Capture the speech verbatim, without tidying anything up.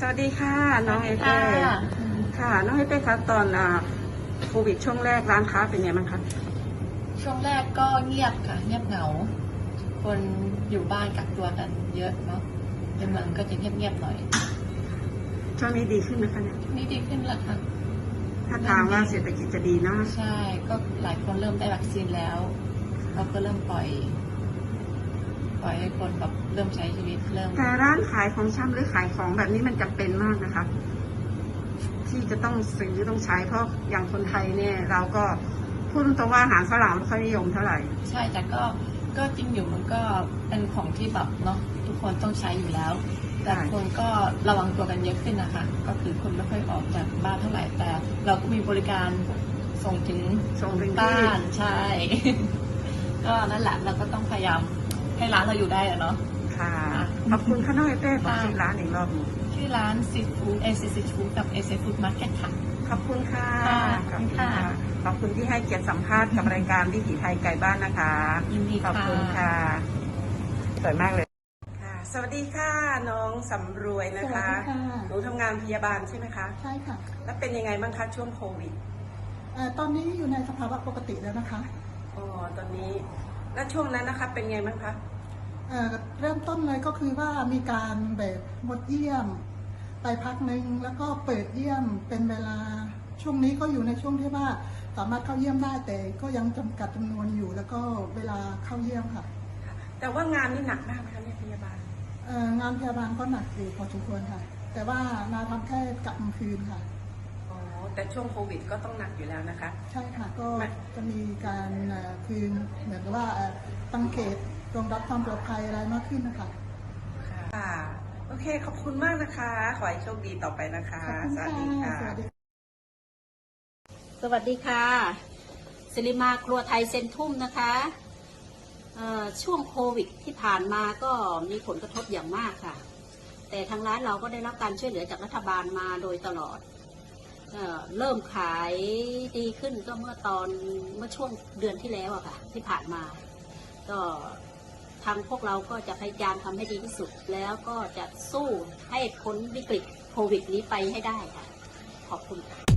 สวัสดีค่ะน้องเอเต้ค่ะน้องเอเต้ครับตอนโควิดช่วงแรกร้านค้าเป็นไงบ้างคะช่วงแรกก็เงียบค่ะเงียบเหงาคนอยู่บ้านกักตัวกันเยอะเนาะในเมืองก็จะเงียบๆหน่อยช่วงนี้ดีขึ้นไหมคะเนี่ยนี่ดีขึ้นแล้วค่ะถ้าทางว่าเศรษฐกิจจะดีเนาะใช่ก็หลายคนเริ่มได้วัคซีนแล้วเราก็เริ่มปล่อยปล่อยให้คนแบบเริ่มใช้ชีวิตเริ่มแต่ร้านขายของชำหรือขายของแบบนี้มันจำเป็นมากนะคะที่จะต้องซื้อต้องใช้เพราะอย่างคนไทยเนี่ยเราก็พูดตรงว่าอาหารฝรั่งไม่ค่อยนิยมเท่าไหร่ใช่แต่ก็ก็จริงอยู่มันก็เป็นของที่แบบเนาะทุกคนต้องใช้อยู่แล้วแต่คนก็ระวังตัวกันเยอะขึ้นนะคะก็คือคนไม่ค่อยออกจากบ้านเท่าไหร่แต่เราก็มีบริการส่งถึงส่งถึงบ้านใช่ ก็นั่นแหละเราก็ต้องพยายามให้ร้านเราอยู่ได้อะเนาะค่ะขอบคุณค่ะน้องเอเต้บอกชื่อร้านอีกรอบชื่อร้านซีฟู้ดเอเซซีฟู้ดกับเอเซฟู้ดมาร์เก็ตค่ะขอบคุณค่ะขอบคุณค่ะขอบคุณที่ให้เกียรติสัมภาษณ์กับรายการวิถีไทยไก่บ้านนะคะยินดีขอบคุณค่ะสวยมากเลยค่ะสวัสดีค่ะน้องสำรวยนะคะหนูทำงานพยาบาลใช่ไหมคะใช่ค่ะแล้วเป็นยังไงบ้างคะช่วงโควิดตอนนี้อยู่ในสภาวะปกติแล้วนะคะอ๋อตอนนี้แล้วช่วงนั้นนะคะเป็นไงบ้างคะเริ่มต้นเลยก็คือว่ามีการแบบงดเยี่ยมไปพักหนึ่งแล้วก็เปิดเยี่ยมเป็นเวลาช่วงนี้ก็อยู่ในช่วงที่ว่าสามารถเข้าเยี่ยมได้แต่ก็ยังจำกัดจำนวนอยู่แล้วก็เวลาเข้าเยี่ยมค่ะแต่ว่างานนี่หนักมากไหมคะในพยาบาลงานพยาบาลก็หนักอยู่พอสมควรค่ะแต่ว่านาทำแค่กะกลางคืนค่ะอ๋อแต่ช่วงโควิดก็ต้องหนักอยู่แล้วนะคะใช่ค่ะก็จะมีการคืนเหมือนกับว่าตั้งเขตรองรับความปลอดภัยอะไรมากขึ้นนะคะค่ะโอเคขอบคุณมากนะคะขอให้โชคดีต่อไปนะคะสวัสดีค่ะสวัสดีค่ะสิริมาครัวไทยเซนทุ่มนะคะช่วงโควิดที่ผ่านมาก็มีผลกระทบอย่างมากค่ะแต่ทางร้านเราก็ได้รับการช่วยเหลือจากรัฐบาลมาโดยตลอดเอ่อเริ่มขายดีขึ้นก็เมื่อตอนเมื่อช่วงเดือนที่แล้วอะค่ะที่ผ่านมาก็ทางพวกเราก็จะพยายามทำให้ดีที่สุดแล้วก็จะสู้ให้พ้นวิกฤตโควิดนี้ไปให้ได้ค่ะขอบคุณค่ะ